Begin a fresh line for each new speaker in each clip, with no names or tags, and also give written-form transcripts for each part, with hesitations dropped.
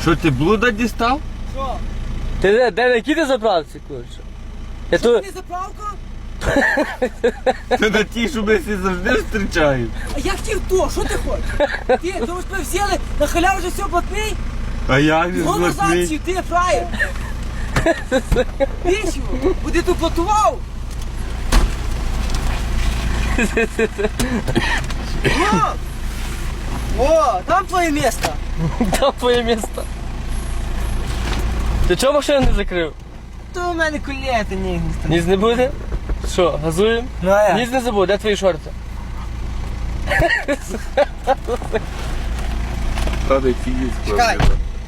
Що, ти блуда дістав?
Що?
Ти де на якій ти заправці, коротше? Я
Що,
тут...
ти заправка?
Ти на ті, що ми всі завжди зустрічаємо.
А я хотів то, що ти хочеш? Ти, думаєш, ми взяли, на халяву вже все платний?
А як же
Го назад
злотний?
сів, ти фраєр. Вічно, буде тут платував. О, там твоє місце.
Там твоє місто. Ти чого машину не закрив?
То у мене колети ні.
Ніс не буде? Що, газуємо?
Ну а
Ніс не забув, де твої шорти?
Правда, фігіс
Чекай.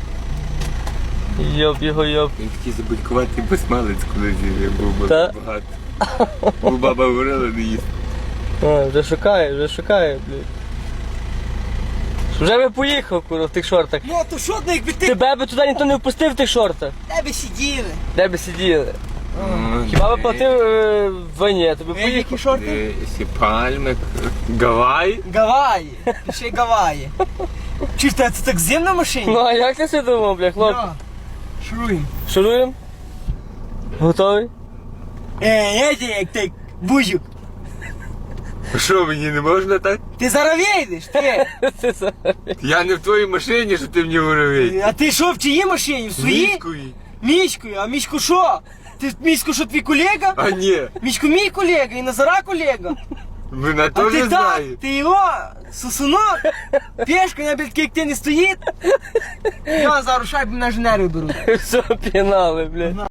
Йоп його йоп.
Він такий забудькуватий безмалець, коли був
Та?
багато. Бо баба говорила, не їсти.
А, вже шукає, блядь. Вже би поїхав, куро, в тих шортах.
Ну, то що, ну, якби ти
Тебе би туди ніхто не впустив в тих шортах.
тебе сиділи.
Де би сиділи? Хіба би платив в вині, я тобі поїхав.
Які шорти?
Сі пальми, Гавай.
Гаваї. Ще й Гаваї. Чи ж це так зим на машині?
Ну а як ти це думав, бля, хлоп?
Шуруємо.
Шуруємо? Готовий?
Як ти, бузюк.
Що, мені не можна так?
Ти зараз вийдеш, ти.
Це за-
Я не в твоїй машині, що ти мені говорив.
А ти що, в чиїй машині? В своїй?
Міської.
Мішкою. А Мішку що? Ти Мішку що, твій колега?
А ні,
Мішку мій колега і Назара колега.
вона
А
теж
ти так,
знає.
ти його, сусунок, пешка, я такий, як ти не стоїть. Я зараз шайбу на інженерів беру.
Все, пінали, блядь.